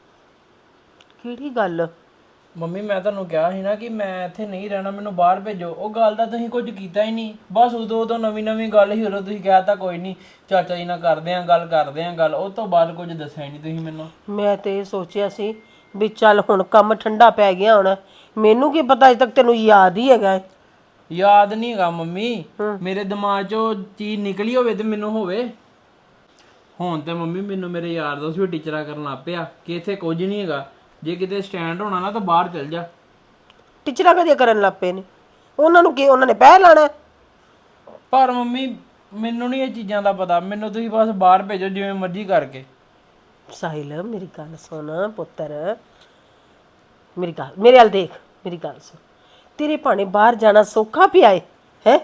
[SPEAKER 4] ਕਿਹੜੀ ਗੱਲ?
[SPEAKER 5] ਮੰਮੀ ਮੈਂ ਤੁਹਾਨੂੰ ਕਿਹਾ ਸੀ ਨਾ ਕਿ ਮੈਂ ਇੱਥੇ ਨਹੀਂ ਰਹਿਣਾ, ਮੈਨੂੰ ਬਾਹਰ ਭੇਜੋ। ਉਹ ਗੱਲ ਦਾ ਤੁਸੀਂ ਕੁਝ ਕੀਤਾ ਹੀ ਨਹੀਂ। ਬਸ ਉਦੋਂ ਨਵੀਂ ਗੱਲ ਹੀ ਉਦੋਂ ਤੁਸੀਂ ਕਹਿ ਤਾ ਕੋਈ ਨਹੀਂ ਚਾਚਾ ਜੀ ਨਾਲ ਕਰਦੇ ਆਂ ਗੱਲ। ਉਹ ਤੋਂ ਬਾਅਦ ਕੁਝ ਦੱਸਿਆ ਹੀ ਨਹੀਂ ਤੁਸੀਂ ਮੈਨੂੰ।
[SPEAKER 4] ਮੈਂ ਤੇ ਇਹ ਸੋਚਿਆ ਸੀ ਵੀ ਚੱਲ ਹੁਣ ਕੰਮ ਠੰਡਾ ਪੈ ਗਿਆ ਹੁਣ। ਮੈਨੂੰ ਕੀ ਪਤਾ ਅਜੇ ਤੱਕ ਤੈਨੂੰ ਯਾਦ ਹੀ ਹੈਗਾ।
[SPEAKER 5] ਯਾਦ ਨਹੀਂ ਹੈਗਾ ਮੰਮੀ, ਮੇਰੇ ਦਿਮਾਗ 'ਚੋਂ ਚੀਜ਼ ਨਿਕਲੀ ਹੋਵੇ ਤੇ ਮੈਨੂੰ ਹੋਵੇ। ਹੁਣ ਤੇ ਮੰਮੀ ਮੈਨੂੰ ਮੇਰੇ ਯਾਰ ਦੋਸਤ ਵੀ ਟੀਚਰਾਂ ਕਰਨ ਲੱਗ ਪਿਆ ਕਿ ਇੱਥੇ ਕੁਝ ਨਹੀਂ ਹੈਗਾ, ਜੇ ਕਿਤੇ ਸਟੈਂਡ ਹੋਣਾ ਨਾ ਤਾਂ ਬਾਹਰ ਚਲ ਜਾ।
[SPEAKER 4] ਟੀਚਰਾਂ ਕਦੇ ਕਰਨ ਲੱਗ ਪਏ ਨੇ? ਉਹਨਾਂ ਨੂੰ ਕੀ, ਉਹਨਾਂ ਨੇ ਪੈਸੇ ਲਾਣਾ?
[SPEAKER 5] ਪਰ ਮੰਮੀ ਮੈਨੂੰ ਨਹੀਂ ਇਹ ਚੀਜ਼ਾਂ ਦਾ ਪਤਾ। ਮੈਨੂੰ ਤੁਸੀਂ ਬਸ ਬਾਹਰ ਭੇਜੋ ਜਿਵੇਂ ਮਰਜ਼ੀ ਕਰਕੇ।
[SPEAKER 4] ਸਾਹਿਲ ਮੇਰੀ ਗੱਲ ਸੁਣ ਪੁੱਤਰ, ਮੇਰੇ ਵੱਲ ਦੇਖ, ਮੇਰੀ ਗੱਲ ਸੁਣ। ਤੇਰੇ ਭਾਣੇ ਬਾਹਰ ਜਾਣਾ ਸੌਖਾ ਪਿਆ ਹੈ?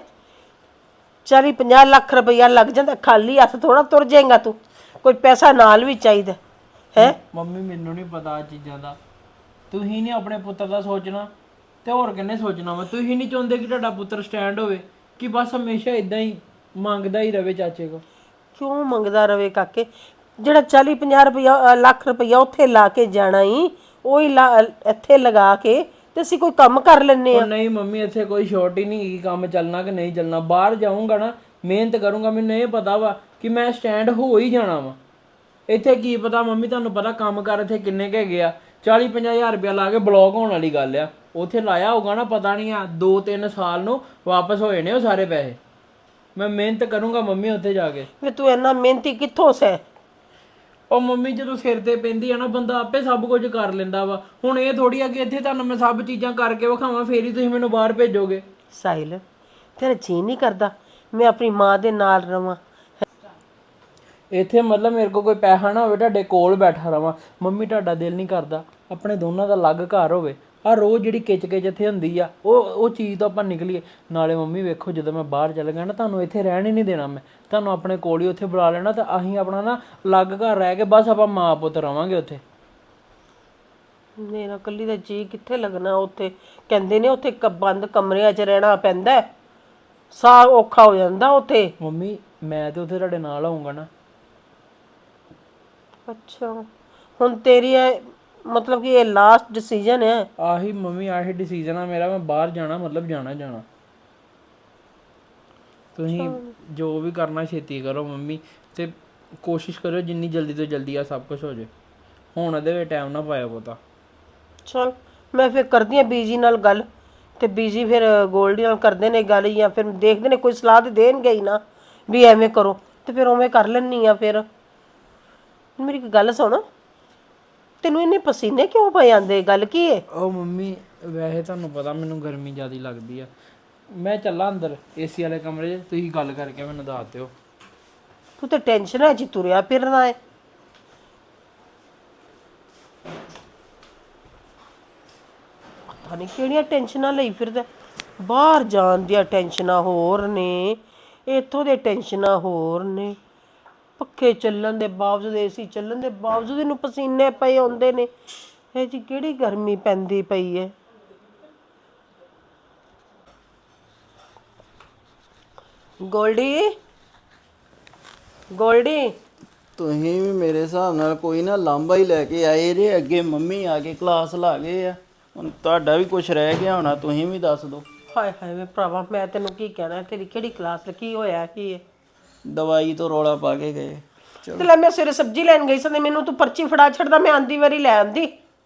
[SPEAKER 4] 40-50 ਲੱਖ ਰੁਪਈਆ ਲੱਗ ਜਾਂਦਾ, ਖਾਲੀ ਹੱਥ ਥੋੜਾ ਤੁਰ ਜਾਏਗਾ ਤੂੰ। ਕੋਈ ਪੈਸਾ ਨਾਲ ਵੀ ਚਾਹੀਦਾ ਹੈ।
[SPEAKER 5] ਮੰਮੀ ਮੈਨੂੰ ਨਹੀਂ ਪਤਾ ਆ ਚੀਜ਼ਾਂ ਦਾ। ਤੁਸੀਂ ਨਹੀਂ ਆਪਣੇ ਪੁੱਤਰ ਦਾ ਸੋਚਣਾ ਤੇ ਹੋਰ ਕਿੰਨੇ ਸੋਚਣਾ ਵਾ? ਤੁਸੀਂ ਨਹੀਂ ਚਾਹੁੰਦੇ ਕਿ ਤੁਹਾਡਾ ਪੁੱਤਰ ਸਟੈਂਡ ਹੋਵੇ, ਕਿ ਬਸ ਹਮੇਸ਼ਾ ਇਦਾਂ ਹੀ ਮੰਗਦਾ ਹੀ ਰਵੇ ਚਾਚੇ ਕੋ?
[SPEAKER 4] ਕਿਉਂ ਮੰਗਦਾ ਰਵੇ ਕਾਕੇ? ਜਿਹੜਾ 40-50 ਲੱਖ ਰੁਪਈਆ ਉੱਥੇ ਲਾ ਕੇ ਜਾਣਾ ਹੀ, ਉਹ ਹੀ ਇੱਥੇ ਲਗਾ ਕੇ ਤੇ ਅਸੀਂ ਕੋਈ ਕੰਮ ਕਰ ਲੈਨੇ ਆ।
[SPEAKER 5] ਨਹੀਂ ਮੰਮੀ, ਇੱਥੇ ਕੋਈ ਸ਼ੋਰਟ ਹੀ ਨਹੀਂ, ਕੰਮ ਚੱਲਣਾ ਕਿ ਨਹੀਂ ਚੱਲਣਾ। ਬਾਹਰ ਜਾਊਂਗਾ ਨਾ, ਮਿਹਨਤ ਕਰੂੰਗਾ, ਮੈਨੂੰ ਇਹ ਪਤਾ ਵਾ ਕਿ ਮੈਂ ਸਟੈਂਡ ਹੋ ਹੀ ਜਾਣਾ ਵਾ। ਇੱਥੇ ਕੀ ਪਤਾ ਮੰਮੀ, ਤੁਹਾਨੂੰ ਪਤਾ ਕੰਮ ਕਰ ਇੱਥੇ ਕਿੰਨੇ ਕੁ ਹੈਗੇ ਆ। 40-50 ਹਜ਼ਾਰ ਰੁਪਇਆ ਲਾ ਕੇ ਬਲੌਕ ਹੋਣ ਵਾਲੀ ਗੱਲ ਆ। ਉੱਥੇ ਲਾਇਆ ਹੋਊਗਾ ਨਾ, ਪਤਾ ਨਹੀਂ ਆ 2-3 ਸਾਲ ਨੂੰ ਵਾਪਸ ਹੋ ਜਾਣੇ ਉਹ ਸਾਰੇ ਪੈਸੇ। ਮੈਂ ਮਿਹਨਤ ਕਰੂੰਗਾ ਮੰਮੀ ਉੱਥੇ ਜਾ ਕੇ।
[SPEAKER 4] ਵੀ ਤੂੰ ਇੰਨਾ ਮਿਹਨਤੀ ਕਿੱਥੋਂ ਸੈ?
[SPEAKER 5] ਉਹ ਮੰਮੀ ਜਦੋਂ ਸਿਰ ਤੇ ਪੈਂਦੀ ਆ ਨਾ, ਬੰਦਾ ਆਪੇ ਸਭ ਕੁਝ ਕਰ ਲੈਂਦਾ ਵਾ। ਹੁਣ ਇਹ ਥੋੜੀ ਆ ਕਿ ਇੱਥੇ ਤੁਹਾਨੂੰ ਮੈਂ ਸਭ ਚੀਜ਼ਾਂ ਕਰਕੇ ਵਿਖਾਵਾਂ ਫੇਰ ਹੀ ਤੁਸੀਂ ਮੈਨੂੰ ਬਾਹਰ ਭੇਜੋਗੇ।
[SPEAKER 4] ਸਾਹਿਲ ਤੇਰਾ ਜੀ ਨਹੀਂ ਕਰਦਾ ਮੈਂ ਆਪਣੀ ਮਾਂ ਦੇ ਨਾਲ ਰਵਾਂ?
[SPEAKER 5] ਇੱਥੇ ਮਤਲਬ ਮੇਰੇ ਕੋਲ ਕੋਈ ਪੈਸਾ ਨਾ ਹੋਵੇ, ਤੁਹਾਡੇ ਕੋਲ ਬੈਠਾ ਰਵਾਂ। ਮੰਮੀ ਤੁਹਾਡਾ ਦਿਲ ਨਹੀਂ ਕਰਦਾ ਆਪਣੇ ਦੋਨਾਂ ਦਾ ਅਲੱਗ ਘਰ ਹੋਵੇ? ਆ ਰੋਜ਼ ਜਿਹੜੀ ਕਿਚ ਕਿਚ ਇੱਥੇ ਹੁੰਦੀ ਆ, ਉਹ ਚੀਜ਼ ਤੋਂ ਆਪਾਂ ਨਿਕਲੀਏ। ਨਾਲੇ ਮੰਮੀ ਵੇਖੋ, ਜਦੋਂ ਮੈਂ ਬਾਹਰ ਚਲ ਗਿਆ ਨਾ, ਤੁਹਾਨੂੰ ਇੱਥੇ ਰਹਿਣ ਹੀ ਨਹੀਂ ਦੇਣਾ ਮੈਂ। ਤੁਹਾਨੂੰ ਆਪਣੇ ਕੋਲ ਹੀ ਉੱਥੇ ਬੁਲਾ ਲੈਣਾ, ਤਾਂ ਅਸੀਂ ਆਪਣਾ ਨਾ ਅਲੱਗ ਘਰ ਰਹਿ ਕੇ ਬਸ ਆਪਾਂ ਮਾਂ ਪੁੱਤ ਰਵਾਂਗੇ ਉੱਥੇ।
[SPEAKER 4] ਮੇਰਾ ਕੱਲੀ ਦਾ ਜੀ ਕਿੱਥੇ ਲੱਗਣਾ ਉੱਥੇ? ਕਹਿੰਦੇ ਨੇ ਉੱਥੇ ਬੰਦ ਕਮਰਿਆਂ 'ਚ ਰਹਿਣਾ ਪੈਂਦਾ ਹੈ, ਸਾਹ ਔਖਾ ਹੋ ਜਾਂਦਾ ਉੱਥੇ।
[SPEAKER 5] ਮੰਮੀ ਮੈਂ ਤੇ ਉੱਥੇ ਤੁਹਾਡੇ ਨਾਲ ਆਉਂਗਾ ਨਾ।
[SPEAKER 4] ਅੱਛਾ, ਹੁਣ ਤੇਰੀ ਮਤਲਬ ਕਿ ਇਹ ਲਾਸਟ ਡਿਸੀਜਨ ਹੈ?
[SPEAKER 5] ਆਹੀ ਮੰਮੀ, ਆਹੀ ਡਿਸੀਜਨ ਆ ਮੇਰਾ। ਮੈਂ ਬਾਹਰ ਜਾਣਾ, ਮਤਲਬ ਜਾਣਾ ਜਾਣਾ। ਤੁਸੀਂ ਜੋ ਵੀ ਕਰਨਾ ਛੇਤੀ ਕਰੋ ਮੰਮੀ, ਤੇ ਕੋਸ਼ਿਸ਼ ਕਰਿਓ ਜਿੰਨੀ ਜਲਦੀ ਤੋਂ ਜਲਦੀ ਆ ਸਭ ਕੁਝ ਹੋ ਜਾਏ। ਹੁਣ ਇਹਦੇ ਵਿੱਚ ਟਾਈਮ ਨਾ ਪਾਇਆ ਪਤਾ।
[SPEAKER 4] ਚਲ ਮੈਂ ਫਿਰ ਕਰਦੀ ਹਾਂ ਬੀਜੀ ਨਾਲ ਗੱਲ, ਤੇ ਬੀਜੀ ਫਿਰ ਗੋਲਡੀ ਨਾਲ ਕਰਦੇ ਨੇ ਗੱਲ, ਜਾਂ ਫਿਰ ਦੇਖਦੇ ਨੇ ਕੋਈ ਸਲਾਹ ਤੇ ਦੇਣਗੇ ਹੀ ਨਾ ਵੀ ਐਵੇਂ ਕਰੋ, ਤੇ ਫਿਰ ਉਵੇਂ ਕਰ ਲੈਣੀ ਆ। ਫਿਰ ਮੇਰੀ ਇੱਕ ਗੱਲ ਸੁਣ, ਤੈਨੂੰ ਇੰਨੇ ਪਸੀਨੇ ਕਿਉਂ ਪਏ ਜਾਂਦੇ? ਗੱਲ ਕੀ ਹੈ?
[SPEAKER 5] ਉਹ ਮੰਮੀ ਵੈਸੇ ਤੁਹਾਨੂੰ ਪਤਾ ਮੈਨੂੰ ਗਰਮੀ ਜ਼ਿਆਦਾ ਲੱਗਦੀ ਆ। ਮੈਂ ਚੱਲਾਂ ਅੰਦਰ ਏਸੀ ਵਾਲੇ ਕਮਰੇ 'ਚ, ਤੁਸੀਂ ਗੱਲ ਕਰਕੇ ਮੈਨੂੰ ਦੱਸ ਦਿਓ।
[SPEAKER 4] ਤੂੰ ਤੇ ਟੈਨਸ਼ਨ 'ਚ ਤੁਰਿਆ ਫਿਰਨਾ ਹੈ। ਪਤਾ ਨਹੀਂ ਕਿਹੜੀਆਂ ਟੈਨਸ਼ਨਾਂ ਲਈ ਫਿਰਦਾ। ਬਾਹਰ ਜਾਣ ਦੀਆਂ ਟੈਨਸ਼ਨਾਂ ਹੋਰ ਨੇ, ਇੱਥੋਂ ਦੇ ਟੈਨਸ਼ਨਾਂ ਹੋਰ ਨੇ। ਪੱਖੇ ਚੱਲਣ ਦੇ ਬਾਵਜੂਦ, ਏਸੀ ਚੱਲਣ ਦੇ ਬਾਵਜੂਦ ਇਹਨੂੰ ਪਸੀਨੇ ਪਏ ਆਉਂਦੇ ਨੇ। ਇਹ ਜੀ ਕਿਹੜੀ ਗਰਮੀ ਪੈਂਦੀ ਪਈ ਹੈ। ਗੋਲਡੀ, ਗੋਲਡੀ,
[SPEAKER 1] ਤੁਸੀਂ ਵੀ ਮੇਰੇ ਹਿਸਾਬ ਨਾਲ ਕੋਈ ਨਾ ਲਾਂਭਾ ਹੀ ਲੈ ਕੇ ਆਏ ਜੇ। ਅੱਗੇ ਮੰਮੀ ਆ ਕੇ ਕਲਾਸ ਲਾ ਗਏ ਆ, ਹੁਣ ਤੁਹਾਡਾ ਵੀ ਕੁਝ ਰਹਿ ਗਿਆ ਹੋਣਾ, ਤੁਸੀਂ ਵੀ ਦੱਸ ਦਿਓ।
[SPEAKER 4] ਹਾਏ ਹਾਏ ਵੇ ਭਰਾਵਾ, ਮੈਂ ਤੈਨੂੰ ਕੀ ਕਹਿਣਾ? ਤੇਰੀ ਕਿਹੜੀ ਕਲਾਸ ਕੀ ਹੋਇਆ ਕੀ ਹੈ?
[SPEAKER 1] ਦਵਾਈ ਤੋਂ ਰੌਲਾ ਪਾ ਕੇ ਗਏ।
[SPEAKER 4] ਤੇ ਲੈ ਮੈਂ ਸਵੇਰੇ ਸਬਜ਼ੀ ਲੈਣ ਗਈ ਸੀ ਤੇ ਮੈਨੂੰ ਤੂੰ ਪਰਚੀ ਫੜਾ ਛੱਡਦਾ, ਮੈਂ ਆਂਦੀ ਵਾਰੀ ਲੈ ਆਂਦੀ।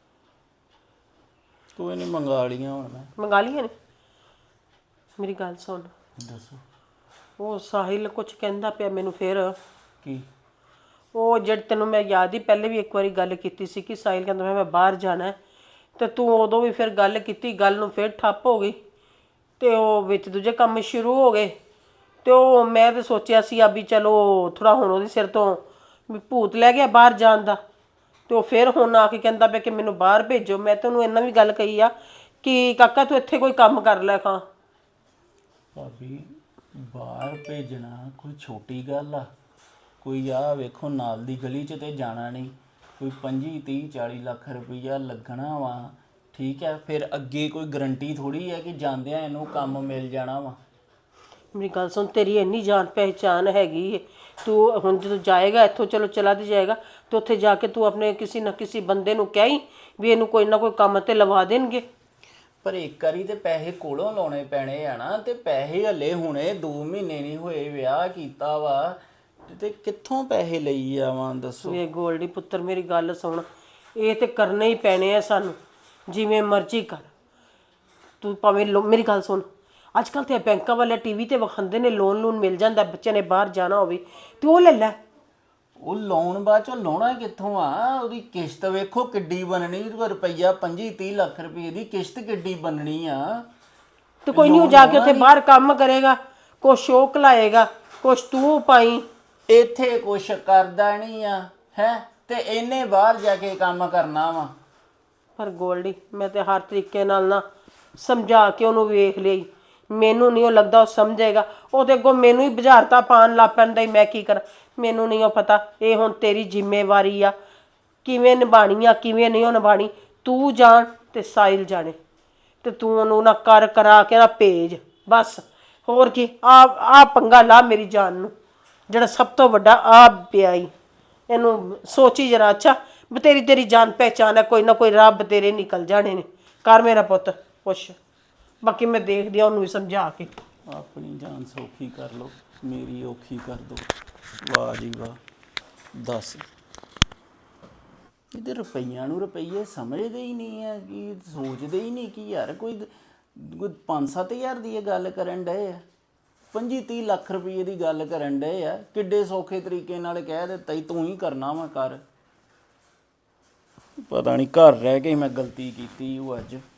[SPEAKER 1] ਕੋਈ ਨਹੀਂ, ਮੰਗਾ ਲੀਆਂ ਹੁਣ ਮੈਂ।
[SPEAKER 4] ਮੰਗਾ ਲਈਆਂ ਨੇ? ਮੇਰੀ ਗੱਲ ਸੁਣ,
[SPEAKER 1] ਦੱਸੋ
[SPEAKER 4] ਉਹ ਸਾਹਿਲ ਕੁਝ ਕਹਿੰਦਾ ਪਿਆ ਮੈਨੂੰ ਫਿਰ।
[SPEAKER 1] ਕੀ?
[SPEAKER 4] ਉਹ ਜਦ ਤੈਨੂੰ ਮੈਂ ਯਾਦ ਹੀ ਪਹਿਲੇ ਵੀ ਇੱਕ ਵਾਰੀ ਗੱਲ ਕੀਤੀ ਸੀ ਕਿ ਸਾਹਿਲ ਕਹਿੰਦਾ ਮੈਂ ਬਾਹਰ ਜਾਣਾ ਹੈ, ਤੇ ਤੂੰ ਉਦੋਂ ਵੀ ਫਿਰ ਗੱਲ ਕੀਤੀ, ਗੱਲ ਨੂੰ ਫਿਰ ਠੱਪ ਹੋ ਗਈ, ਤੇ ਉਹ ਵਿੱਚ ਦੂਜੇ ਕੰਮ ਸ਼ੁਰੂ ਹੋ ਗਏ। ਤੇ ਉਹ ਮੈਂ ਤੇ ਸੋਚਿਆ ਸੀ ਆ ਵੀ ਚਲੋ ਥੋੜਾ ਹੁਣ ਉਹਦੇ ਸਿਰ ਤੋਂ ਵੀ ਭੂਤ ਲੈ ਗਿਆ ਬਾਹਰ ਜਾਣ ਦਾ, ਤੇ ਉਹ ਫਿਰ ਹੁਣ ਆ ਕੇ ਕਹਿੰਦਾ ਪਿਆ ਕਿ ਮੈਨੂੰ ਬਾਹਰ ਭੇਜੋ। ਮੈਂ ਤੈਨੂੰ ਇੰਨਾ ਵੀ ਗੱਲ ਕਹੀ ਆ ਕਿ ਕਾਕਾ ਤੂੰ ਇੱਥੇ ਕੋਈ ਕੰਮ ਕਰ ਲੈ ਖਾਂ।
[SPEAKER 1] ਭਾਬੀ ਬਾਹਰ ਭੇਜਣਾ ਕੋਈ ਛੋਟੀ ਗੱਲ ਆ? ਕੋਈ ਆ ਵੇਖੋ ਨਾਲ ਦੀ ਗਲੀ 'ਚ ਤੇ ਜਾਣਾ ਨਹੀਂ, ਕੋਈ 25 30 40 ਲੱਖ ਰੁਪਈਆ ਲੱਗਣਾ ਵਾ, ਠੀਕ ਹੈ? ਫਿਰ ਅੱਗੇ ਕੋਈ ਗਰੰਟੀ ਥੋੜੀ ਹੈ ਕਿ ਜਾਂਦਿਆਂ ਇਹਨੂੰ ਕੰਮ ਮਿਲ ਜਾਣਾ ਵਾ।
[SPEAKER 4] ਮੇਰੀ ਗੱਲ ਸੁਣ, ਤੇਰੀ ਇੰਨੀ ਜਾਣ ਪਹਿਚਾਨ ਹੈਗੀ ਹੈ, ਤੂੰ ਹੁਣ ਜਦੋਂ ਜਾਏਗਾ ਇੱਥੋਂ, ਚਲੋ ਚਲਾ ਤੇ ਜਾਏਗਾ, ਤੇ ਉੱਥੇ ਜਾ ਕੇ ਤੂੰ ਆਪਣੇ ਕਿਸੇ ਨਾ ਕਿਸੇ ਬੰਦੇ ਨੂੰ ਕਹੀਂ ਵੀ ਇਹਨੂੰ ਕੋਈ ਨਾ ਕੋਈ ਕੰਮ ਤੇ ਲਵਾ ਦੇਣਗੇ।
[SPEAKER 1] ਪਰ ਇੱਕ ਵਾਰੀ ਤੇ ਪੈਸੇ ਕੋਲੋਂ ਲਾਉਣੇ ਪੈਣੇ ਆ ਨਾ, ਤੇ ਪੈਸੇ ਹਲੇ ਹੁਣੇ 2 ਮਹੀਨੇ ਨਹੀਂ ਹੋਏ ਵਿਆਹ ਕੀਤਾ ਵਾ, ਤੇ ਕਿੱਥੋਂ ਪੈਸੇ ਲਈ ਆਵਾਂ ਦੱਸੋ?
[SPEAKER 4] ਇਹ ਗੋਲਡੀ ਪੁੱਤਰ ਮੇਰੀ ਗੱਲ ਸੁਣ, ਇਹ ਤੇ ਕਰਨੇ ਹੀ ਪੈਣੇ ਆ ਸਾਨੂੰ, ਜਿਵੇਂ ਮਰਜ਼ੀ ਕਰ ਤੂੰ। ਭਾਵੇਂ ਮੇਰੀ ਗੱਲ ਸੁਣ, ਅੱਜ ਕੱਲ੍ਹ ਤੇ ਬੈਂਕਾਂ ਵਾਲੇ ਟੀਵੀ ਤੇ ਵਿਖਾਉਂਦੇ ਨੇ ਲੋਨ ਮਿਲ ਜਾਂਦਾ, ਬੱਚੇ ਨੇ ਬਾਹਰ ਜਾਣਾ ਹੋਵੇ ਤੇ ਉਹ ਲੈ ਲੈ।
[SPEAKER 1] ਉਹ ਲੋਨ ਬਾਅਦ ਚੋਂ ਲਾਉਣਾ ਕਿੱਥੋਂ ਆ? ਉਹਦੀ ਕਿਸ਼ਤ ਵੇਖੋ ਕਿੱਡੀ ਬਣਨੀ, ਰੁਪਈਆ 25 30 ਲੱਖ ਰੁਪਏ ਦੀ ਕਿਸ਼ਤ ਕਿੱਡੀ ਬਣਨੀ ਆ।
[SPEAKER 4] ਤੇ ਕੋਈ ਨਹੀਂ, ਉਹ ਜਾ ਕੇ ਉੱਥੇ ਬਾਹਰ ਕੰਮ ਕਰੇਗਾ, ਕੁਛ ਸ਼ੌਕ ਲਾਏਗਾ, ਕੁਛ ਤੂੰ ਪਾਈ।
[SPEAKER 1] ਇੱਥੇ ਕੁਛ ਕਰਦਾ ਨਹੀਂ ਆ ਹੈ, ਤੇ ਇਹਨੇ ਬਾਹਰ ਜਾ ਕੇ ਕੰਮ ਕਰਨਾ ਵਾ।
[SPEAKER 4] ਪਰ ਗੋਲਡੀ ਮੈਂ ਤੇ ਹਰ ਤਰੀਕੇ ਨਾਲ ਨਾ ਸਮਝਾ ਕੇ ਉਹਨੂੰ ਵੇਖ ਲਈ, ਮੈਨੂੰ ਨਹੀਂ ਉਹ ਲੱਗਦਾ ਉਹ ਸਮਝੇਗਾ। ਉਹ ਤੇ ਅੱਗੋਂ ਮੈਨੂੰ ਹੀ ਬੁਝਾਰਤਾਂ ਪਾਉਣ ਲੱਗ ਪੈਂਦਾ ਹੀ, ਮੈਂ ਕੀ ਕਰਾਂ? ਮੈਨੂੰ ਨਹੀਂ ਉਹ ਪਤਾ। ਇਹ ਹੁਣ ਤੇਰੀ ਜ਼ਿੰਮੇਵਾਰੀ ਆ, ਕਿਵੇਂ ਨਿਭਾਣੀ ਆ ਕਿਵੇਂ ਨਹੀਂ ਉਹ ਨਿਭਾਣੀ। ਤੂੰ ਜਾਣ ਤੇ ਸਾਹਿਲ ਜਾਣੇ, ਤੇ ਤੂੰ ਉਹਨੂੰ ਨਾ ਕਰ ਕਰਾ ਕੇ ਨਾ ਭੇਜ ਬਸ। ਹੋਰ ਕੀ, ਆ ਪੰਗਾ ਲਾ ਮੇਰੀ ਜਾਨ ਨੂੰ, ਜਿਹੜਾ ਸਭ ਤੋਂ ਵੱਡਾ ਆ ਪਿਆ ਈ। ਇਹਨੂੰ ਸੋਚੀ ਜਰਾ, ਅੱਛਾ ਬਤੇਰੀ ਤੇਰੀ ਜਾਣ ਪਹਿਚਾਨ ਹੈ, ਕੋਈ ਨਾ ਕੋਈ ਰੱਬ ਤੇਰੇ ਨਿਕਲ ਜਾਣੇ ਨੇ। ਕਰ ਮੇਰਾ ਪੁੱਤ ਕੁਛ, ਬਾਕੀ ਮੈਂ ਦੇਖਦੀ ਆ ਉਹਨੂੰ ਵੀ ਸਮਝਾ ਕੇ।
[SPEAKER 1] ਆਪਣੀ ਜਾਨ ਸੌਖੀ ਕਰ ਲਓ, ਮੇਰੀ ਔਖੀ ਕਰ ਦੋ। ਵਾਹ ਜੀ ਵਾਹ, ਦੱਸ ਇਹਦੇ ਰੁਪਈਆਂ ਨੂੰ ਰੁਪਈਏ ਸਮਝਦੇ ਹੀ ਨਹੀਂ ਆ, ਕਿ ਸੋਚਦੇ ਹੀ ਨਹੀਂ ਕਿ ਯਾਰ ਕੋਈ 5-7 ਹਜ਼ਾਰ ਦੀ ਇਹ ਗੱਲ ਕਰਨ ਡਏ ਆ, 25 30 ਲੱਖ ਰੁਪਏ ਦੀ ਗੱਲ ਕਰਨ ਡਏ ਆ। ਕਿੱਡੇ ਸੌਖੇ ਤਰੀਕੇ ਨਾਲ ਕਹਿ ਦਿੱਤਾ ਹੀ ਤੂੰ ਹੀ ਕਰਨਾ ਵਾ ਕਰ। ਪਤਾ ਨਹੀਂ ਘਰ ਰਹਿ ਕੇ ਮੈਂ ਗਲਤੀ ਕੀਤੀ ਉਹ ਅੱਜ।